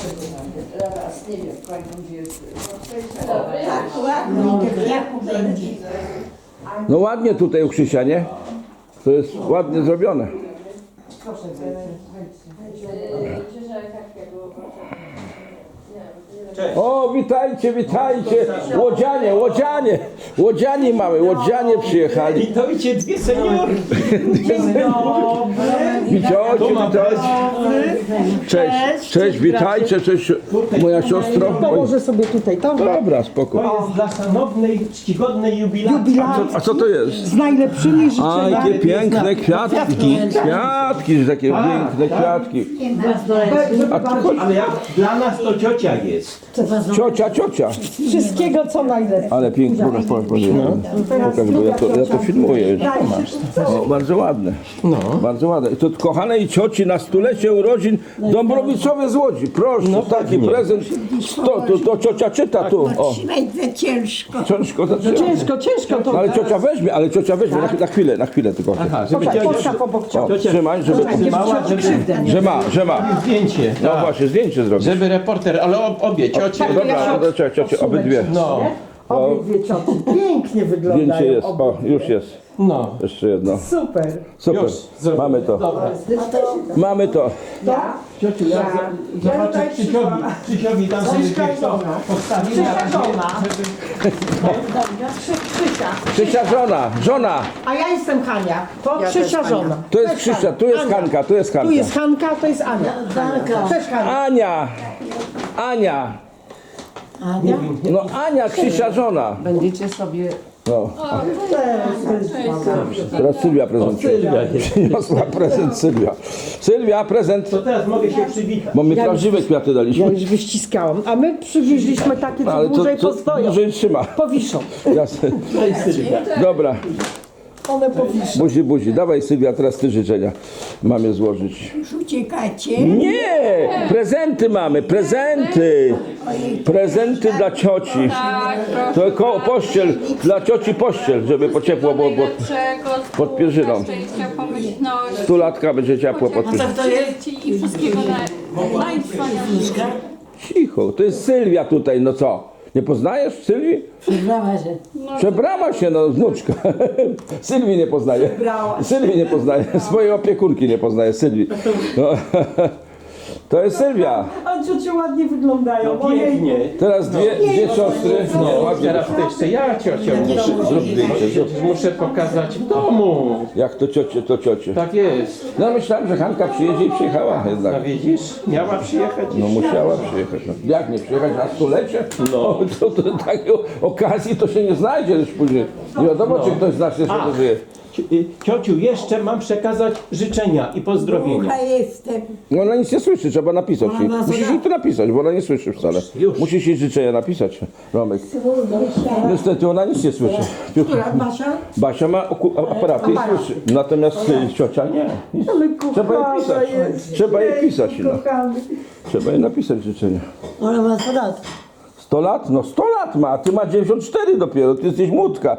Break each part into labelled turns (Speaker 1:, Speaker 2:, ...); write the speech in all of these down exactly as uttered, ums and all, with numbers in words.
Speaker 1: Zaraz, nie wiem, kończą gdzie jest.
Speaker 2: Tak, ładnie, jak będzie.
Speaker 3: No ładnie tutaj u Krzysia, nie? To jest ładnie zrobione.
Speaker 4: Cześć.
Speaker 3: O, witajcie, witajcie! Łodzianie, łodzianie! Łodzianie mamy, łodzianie przyjechali.
Speaker 4: Witajcie, dwie seniorki.
Speaker 3: Witajcie, witajcie. Cześć, cześć, witajcie, cześć moja siostro.
Speaker 5: To może sobie tutaj to.
Speaker 3: Dobra, spoko.
Speaker 4: To jest dla szanownej, czcigodnej jubilacji.
Speaker 3: A co to jest?
Speaker 5: Z najlepszymi
Speaker 3: A,
Speaker 5: życzeniami.
Speaker 3: jakie piękne kwiatki. Kwiatki, takie piękne kwiatki. A tu chodź.
Speaker 4: Ale jak dla nas to ciocia jest.
Speaker 3: Ciocia, ciocia.
Speaker 5: Wszystkiego co najlepsze.
Speaker 3: Ale pięknie, pokaż, pokaż, pokaż, bo ja to, ja to filmuję już. No, bardzo ładne.
Speaker 4: No.
Speaker 3: Bardzo ładne. I to kochanej cioci na stulecie urodzin Dąbrowicowe z Łodzi. Proszę, taki prezent. To, to, to ciocia czyta tu. O,
Speaker 2: Trzymaj za ciężko.
Speaker 3: ciężko zaczyna.
Speaker 5: Ciężko, ciężko to.
Speaker 3: No, ale ciocia weźmie, ale ciocia weźmie na, na chwilę, na chwilę tylko.
Speaker 4: Aha, żeby
Speaker 5: Poczekaj,
Speaker 4: ciocia
Speaker 5: postaw obok
Speaker 3: O,
Speaker 5: ciebie.
Speaker 3: trzymaj, żeby,
Speaker 4: trzymała, żeby,
Speaker 3: że ma, że ma.
Speaker 4: zdjęcie.
Speaker 3: No
Speaker 4: Tak.
Speaker 3: właśnie, zdjęcie zrobić.
Speaker 4: Żeby reporter, ale ob, obie ciocie.
Speaker 3: Dobra, to ciocia, ciocia, obydwie.
Speaker 4: No,
Speaker 5: Obydwie cioci pięknie wyglądają.
Speaker 3: Zdjęcie jest,
Speaker 5: obydwie.
Speaker 3: o, już jest.
Speaker 4: no.
Speaker 3: Jeszcze jedno.
Speaker 5: Super.
Speaker 3: Super,
Speaker 4: Już, zrobię.
Speaker 3: mamy to.
Speaker 4: Dobra.
Speaker 3: Mamy to.
Speaker 4: Ciociu, ja za- zobaczę Krzysiowi. Krzysiowi tam sobie gdzieś to postawimy.
Speaker 5: Krzysia żona. Krzysia.
Speaker 3: Krzysia żona, żona.
Speaker 5: A ja jestem Hania. To Krzysia żona.
Speaker 3: To jest Krzysia, tu jest Hanka, tu jest
Speaker 5: Tu
Speaker 3: Hanka.
Speaker 5: jest Hanka, to jest Ania. Cześć Hania.
Speaker 3: Ania, Ania.
Speaker 2: Ania?
Speaker 3: No Ania, Krzysia żona.
Speaker 5: Będziecie sobie...
Speaker 3: No. Teraz Sylwia prezentuje. Przyniosła prezent Sylwia. Sylwia, prezent.
Speaker 4: To teraz mogę się przywitać.
Speaker 3: Bo my prawdziwe kwiaty
Speaker 5: Ja
Speaker 3: daliśmy.
Speaker 5: już wyściskałam. A my przywieźliśmy takie, co
Speaker 3: Ale to,
Speaker 5: dłużej
Speaker 3: to
Speaker 5: postoją.
Speaker 3: dłużej trzyma.
Speaker 5: Powiszą.
Speaker 3: Jasne.
Speaker 4: Cześć Sylwia.
Speaker 3: Dobra,
Speaker 5: One powiszą.
Speaker 3: buzi, buzi. Dawaj Sylwia, teraz ty życzenia mamie złożyć.
Speaker 2: Już uciekacie?
Speaker 3: Nie! Prezenty mamy, prezenty! Prezenty dla cioci. To koło pościel, dla cioci pościel, żeby po ciepło było, bo pod pierzyną.
Speaker 6: Szczęścia, pomyślności,
Speaker 3: Stulatka będzie ciepło pod pierzyną.
Speaker 6: dzieci i wszystkiego na, najwspanialszego.
Speaker 3: Cicho, to jest Sylwia tutaj, no co? Nie poznajesz Sylwii?
Speaker 2: Przebrała się.
Speaker 3: Przebrała się, no wnuczka. Sylwii nie poznaje. Sylwii nie poznaje, swojej opiekunki nie poznaje, Sylwii. No. To jest Sylwia.
Speaker 5: A ciocie ładnie wyglądają.
Speaker 4: No pięknie.
Speaker 3: Teraz dwie, dwie siostry. No, ładnie.
Speaker 4: Teraz to jeszcze ja ciocią muszę.
Speaker 3: Zrób zdjęcie, zrób.
Speaker 4: Muszę pokazać w domu.
Speaker 3: Jak to ciocie, to ciocie.
Speaker 4: Tak jest.
Speaker 3: No myślałem, że Hanka przyjedzie i przyjechała
Speaker 4: A
Speaker 3: jednak.
Speaker 4: widzisz? Miała przyjechać.
Speaker 3: No musiała przyjechać. No. Jak nie przyjechać na stulecie? No to, to takiej okazji to się nie znajdzie już później. Nie wiadomo, czy ktoś z nas jeszcze
Speaker 4: A.
Speaker 3: żyje.
Speaker 4: Ci- y, Ciociu, jeszcze mam przekazać życzenia i pozdrowienia.
Speaker 2: Ucha jestem.
Speaker 3: No ona nic nie słyszy, trzeba napisać jej.
Speaker 2: Ona
Speaker 3: Musisz jej to napisać, bo ona nie słyszy wcale.
Speaker 4: Już.
Speaker 3: Musisz jej życzenia napisać, Romek. Niestety ona nic nie słyszy.
Speaker 2: Która Basia?
Speaker 3: Basia ma oku- a- aparaty i słyszy. Natomiast y, ciocia nie. Nic.
Speaker 5: Ale
Speaker 3: Trzeba jej
Speaker 5: kochana
Speaker 3: pisać.
Speaker 5: jest.
Speaker 3: Trzeba jej pisać. No.
Speaker 5: Kochany.
Speaker 3: Trzeba jej napisać życzenia.
Speaker 2: Ona ma sto lat.
Speaker 3: sto lat? No sto lat ma, a ty ma dziewięćdziesiąt cztery dopiero, ty jesteś młódka.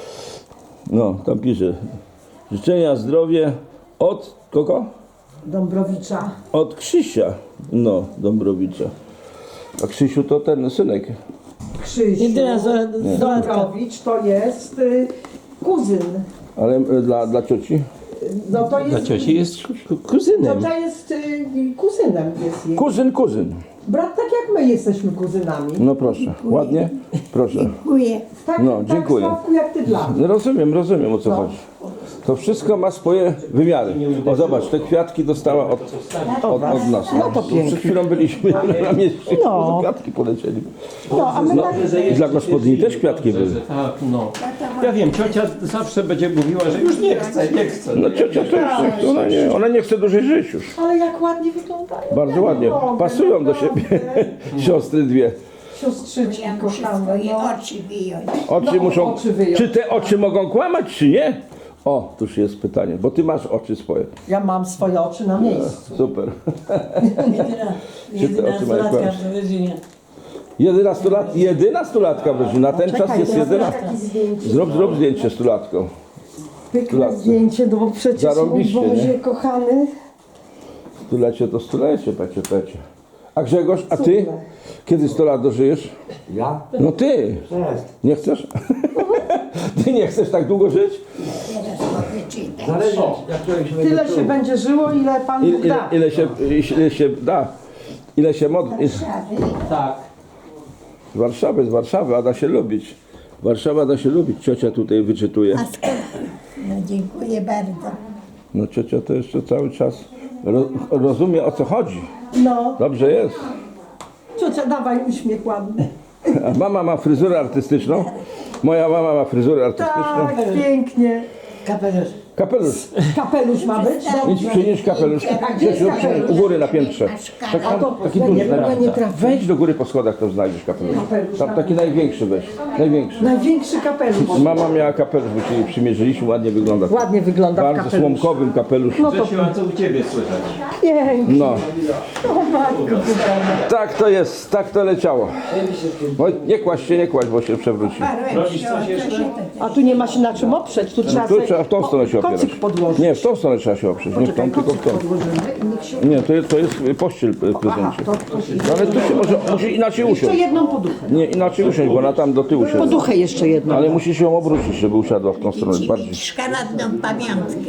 Speaker 3: No, tam pisze. Życzenia, zdrowie od kogo?
Speaker 5: Dąbrowicza.
Speaker 3: Od Krzysia. No, Dąbrowicza. A Krzysiu to ten synek.
Speaker 5: Krzysiu.
Speaker 2: Jedyna z- z-
Speaker 5: Dąbrowicz to jest y, kuzyn.
Speaker 3: Ale y, dla, dla cioci?
Speaker 5: No to
Speaker 4: Dla
Speaker 5: jest...
Speaker 4: cioci jest ku- kuzynem.
Speaker 5: Ciocia jest y, kuzynem jest jej.
Speaker 3: Kuzyn, kuzyn.
Speaker 5: Brat tak jak my jesteśmy kuzynami.
Speaker 3: No proszę, ładnie? Proszę.
Speaker 2: Dziękuję.
Speaker 5: Tak,
Speaker 3: No,
Speaker 5: tak
Speaker 3: dziękuję.
Speaker 5: Sławku, jak ty dla mnie.
Speaker 3: No rozumiem, rozumiem o co chodzi. To wszystko ma swoje wymiary. O zobacz, te kwiatki dostała od, od, od nas. No to pięknie. Przed chwilą byliśmy na mieście,
Speaker 5: No.
Speaker 3: kwiatki polecieli.
Speaker 5: No, a my
Speaker 3: No,
Speaker 5: tak...
Speaker 3: i dla gospodyni też kwiatki były.
Speaker 4: Tak, no. Ja wiem, ciocia zawsze będzie mówiła, że już nie chce, nie chce.
Speaker 3: No ciocia też, ona nie, ona nie chce dłużej żyć już.
Speaker 5: Ale jak ładnie wyglądają.
Speaker 3: Bardzo ładnie. Pasują do siebie siostry dwie.
Speaker 5: Siostrzyczki
Speaker 2: Ja muszę
Speaker 5: kochane.
Speaker 2: swoje
Speaker 5: No.
Speaker 2: oczy wyjąć.
Speaker 3: Oczy
Speaker 5: No,
Speaker 3: muszą.
Speaker 5: oczy wyjąć.
Speaker 3: Czy te oczy mogą kłamać, czy nie? O, tuż jest pytanie, bo ty masz oczy swoje.
Speaker 5: Ja mam swoje oczy na miejscu.
Speaker 3: Super. Czy te oczy mają
Speaker 2: Jedynastu
Speaker 3: kłamać?
Speaker 2: w Wyżynie.
Speaker 3: jedenastolat, jedenastolatka w rodzinie. Na ten czas jest jedenasta.
Speaker 5: Takie zdjęcie.
Speaker 3: Zrób, zrób zdjęcie stulatką.
Speaker 5: Pykne
Speaker 3: lat.
Speaker 5: zdjęcie, no bo przecież mój
Speaker 3: Zarobiście,
Speaker 5: Boże
Speaker 3: nie?
Speaker 5: kochany.
Speaker 3: Stulecie to stulecie, pecie, pecie. A Grzegorz, a ty? Kiedy sto lat dożyjesz?
Speaker 7: Ja?
Speaker 3: No ty.
Speaker 7: Jest.
Speaker 3: Nie chcesz? Ty nie chcesz tak długo żyć?
Speaker 7: Zależy, jak człowiek się będzie
Speaker 5: Tyle się
Speaker 7: czuł.
Speaker 5: będzie żyło, ile Pan
Speaker 3: Ile,
Speaker 5: Bóg
Speaker 3: ile,
Speaker 5: da.
Speaker 3: ile, się, ile się da? Ile się modli?
Speaker 4: Tak.
Speaker 3: Z Warszawy, z Warszawy, a da się lubić. Warszawa da się lubić, ciocia tutaj wyczytuje.
Speaker 2: A skąd? No dziękuję bardzo.
Speaker 3: No ciocia to jeszcze cały czas ro, rozumie, o co chodzi.
Speaker 5: No,
Speaker 3: Dobrze jest.
Speaker 5: ciocia, dawaj uśmiech ładny.
Speaker 3: A mama ma fryzurę artystyczną. Moja mama ma fryzurę artystyczną.
Speaker 5: Tak, pięknie.
Speaker 2: Kapelusz.
Speaker 3: Kapelusz.
Speaker 5: Kapelusz ma być?
Speaker 3: Idź, przynieś kapelusz. Grzesiu, u góry na piętrze. Tak,
Speaker 5: A to
Speaker 3: taki
Speaker 5: nie,
Speaker 3: duży.
Speaker 5: nie, nie trafię.
Speaker 3: Wejdź do góry po schodach, to znajdziesz kapelusz. Tam taki największy weź. Największy.
Speaker 5: Największy kapelusz.
Speaker 3: Mama miała kapelusz, bo się jej przymierzyliśmy, ładnie wygląda.
Speaker 5: Ładnie wygląda w
Speaker 3: Bardzo
Speaker 5: kapeluszu.
Speaker 3: słomkowym kapelusz.
Speaker 5: No to
Speaker 4: Grzesiu, a co u ciebie słychać?
Speaker 5: pięknie.
Speaker 3: No,
Speaker 5: O matko kochana.
Speaker 3: tak to jest, tak to leciało. No, nie kłaść się, nie kłaść, bo się przewróci.
Speaker 4: Robisz coś jeszcze?
Speaker 5: A tu nie ma się na czym oprzeć, tu trzeba
Speaker 3: Tu
Speaker 5: sobie
Speaker 3: trzeba w tą stronę się opierać.
Speaker 5: kocyk podłożyć.
Speaker 3: Nie, w tą stronę trzeba się oprzeć, nie w tą, tylko w tą.
Speaker 5: Podłożymy i niech się...
Speaker 3: Nie, to jest, to jest pościel w prezencie.
Speaker 5: to- to-
Speaker 3: No, ale tu się może, musi inaczej
Speaker 5: Jeszcze
Speaker 3: usiąść.
Speaker 5: jedną poduchę.
Speaker 3: Nie, inaczej usiąść, bo ona tam do tyłu się.
Speaker 5: Poduchę jeszcze jedną.
Speaker 3: Ale musisz ją obrócić, żeby usiadła w tą stronę bardziej.
Speaker 2: Szkaradną pamiątkę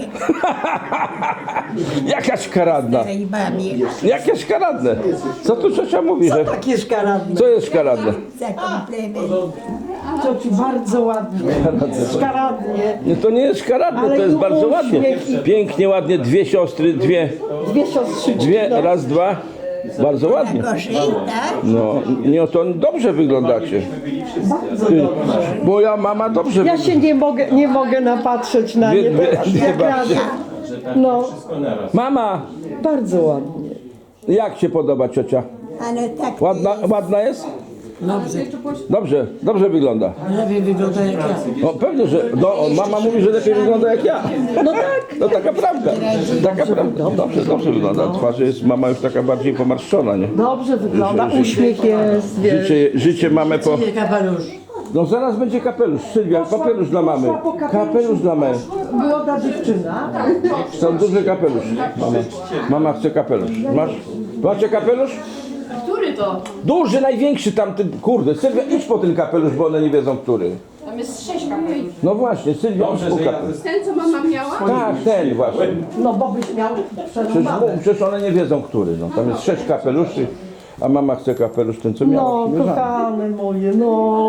Speaker 3: Jaka szkaradna!
Speaker 2: tej babie.
Speaker 3: Jakie szkaradne! Co tu ciocia mówi, że...
Speaker 5: Takie szkaradne.
Speaker 3: Co jest szkaradne?
Speaker 2: Za komplement.
Speaker 5: Ciociu, bardzo ładnie. Szkaradnie.
Speaker 3: Nie, to nie jest szkaradne,
Speaker 5: Ale
Speaker 3: to jest
Speaker 5: i
Speaker 3: bardzo ładnie.
Speaker 5: uśmiech.
Speaker 3: Pięknie, ładnie, dwie siostry, dwie,
Speaker 5: Dwie siostrzyczki.
Speaker 3: dwie,
Speaker 5: no.
Speaker 3: raz, dwa. Bardzo ładnie.
Speaker 2: Gorzej, tak?
Speaker 3: No, nie, to dobrze wyglądacie. Ty, moja mama dobrze
Speaker 5: Ja
Speaker 3: wygląda.
Speaker 5: się nie mogę, nie mogę napatrzeć na
Speaker 3: Dwie-
Speaker 5: nie
Speaker 3: dwie-
Speaker 5: teraz.
Speaker 3: dwie
Speaker 5: Jak
Speaker 3: babcie.
Speaker 5: radzę. No,
Speaker 4: Wszystko naraz.
Speaker 3: Mama,
Speaker 5: bardzo ładnie.
Speaker 3: jak się podoba ciocia?
Speaker 2: Ale tak
Speaker 3: Ładna, ładna jest?
Speaker 2: dobrze.
Speaker 3: Dobrze, dobrze wygląda.
Speaker 2: Lepiej wygląda jak ja.
Speaker 3: No pewnie, że no, mama mówi, że lepiej wygląda jak ja.
Speaker 5: No tak.
Speaker 3: No taka prawda. Taka prawda. Dobrze, dobrze wygląda. Twarz jest mama już taka bardziej pomarszczona, nie?
Speaker 5: Dobrze wygląda,
Speaker 3: Ży- ży-
Speaker 5: uśmiech jest, wiesz.
Speaker 3: Życie, życie mamy po...
Speaker 2: Kapelusz.
Speaker 3: No zaraz będzie kapelusz, Sylwia, kapelusz dla mamy. Kapelusz dla mamy.
Speaker 5: Młoda dziewczyna.
Speaker 3: Są duży kapelusz. Mama, mama chce kapelusz. Masz? Macie kapelusz?
Speaker 6: Który to?
Speaker 3: Duży, największy tamten, kurde, Sylwia, idź po ten kapelusz, bo one nie wiedzą, który.
Speaker 6: Tam jest sześć kapelusz.
Speaker 3: No właśnie, Sylwia, idź
Speaker 4: Dobrze,
Speaker 3: po
Speaker 4: że ja
Speaker 3: kapelusz.
Speaker 6: Ten, co mama miała?
Speaker 3: Tak, ten właśnie.
Speaker 5: No bo byś miał
Speaker 3: Przecież,
Speaker 5: przerąbane.
Speaker 3: przecież one nie wiedzą, który. No. Tam jest sześć kapeluszy, a mama chce kapelusz, ten co miała.
Speaker 5: No,
Speaker 3: przymierzany.
Speaker 5: kochane moje, no.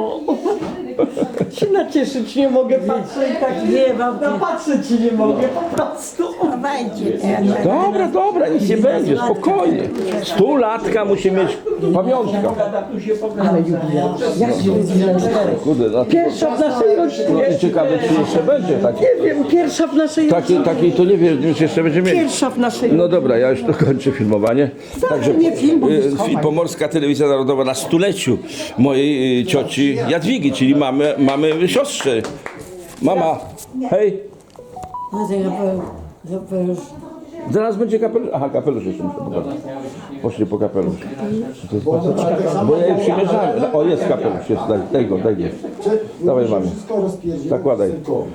Speaker 5: Się nacieszyć nie mogę, patrzę i tak nie mam. No patrzeć ci nie mogę, po prostu.
Speaker 2: Chowajcie teraz.
Speaker 3: Dobra, dobra, nic nie będzie, spokojnie. Stulatka musi mieć pamiątka.
Speaker 5: Ale jubileusz, jak jubileusz?
Speaker 3: Kurde, no,
Speaker 5: Pierwsza w naszej
Speaker 3: no
Speaker 5: rodzinie.
Speaker 3: i ciekawe, czy jeszcze będzie taki.
Speaker 5: Nie wiem, pierwsza w naszej rodzinie.
Speaker 3: Takiej, takiej to nie wiem, czy jeszcze będzie mieć.
Speaker 5: Pierwsza w naszej
Speaker 3: No dobra, ja już dokończę filmowanie. Także
Speaker 5: nie film, bo
Speaker 3: y,
Speaker 5: schowaj.
Speaker 3: Pomorska Telewizja Narodowa na stuleciu mojej y, cioci Jadwigi, czyli mamy, mamy siostrze. Mama, hej,
Speaker 2: No ten kapelusz. Kapelusz.
Speaker 3: zaraz będzie kapelusz. Aha, kapelusz jeszcze muszę pokazać. Poszli po kapelusz. To jest po co? Bo ja jej przymierzałem. O, jest kapelusz, jest, daj, daj go, daj go. Dawaj mamie. Zakładaj.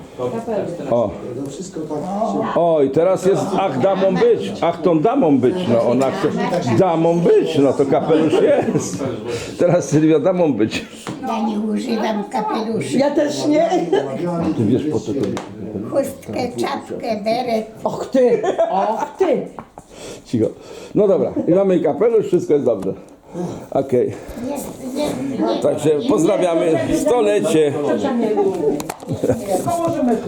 Speaker 3: O.
Speaker 7: Wszystko tak się...
Speaker 3: Oj, teraz jest ach damą być, ach tą damą być, no ona chce damą być, no to kapelusz jest. Teraz Sylwia damą być.
Speaker 2: Ja nie używam kapeluszy.
Speaker 5: Ja też nie.
Speaker 3: Ty wiesz po co to jest?
Speaker 2: Chustkę, czapkę, beret.
Speaker 5: Och ty, och ty.
Speaker 3: Cicho. No dobra, i mamy kapelusz, wszystko jest dobrze. Okej,
Speaker 2: Nie, nie, nie.
Speaker 3: także pozdrawiamy stolecie.
Speaker 5: Położymy tu.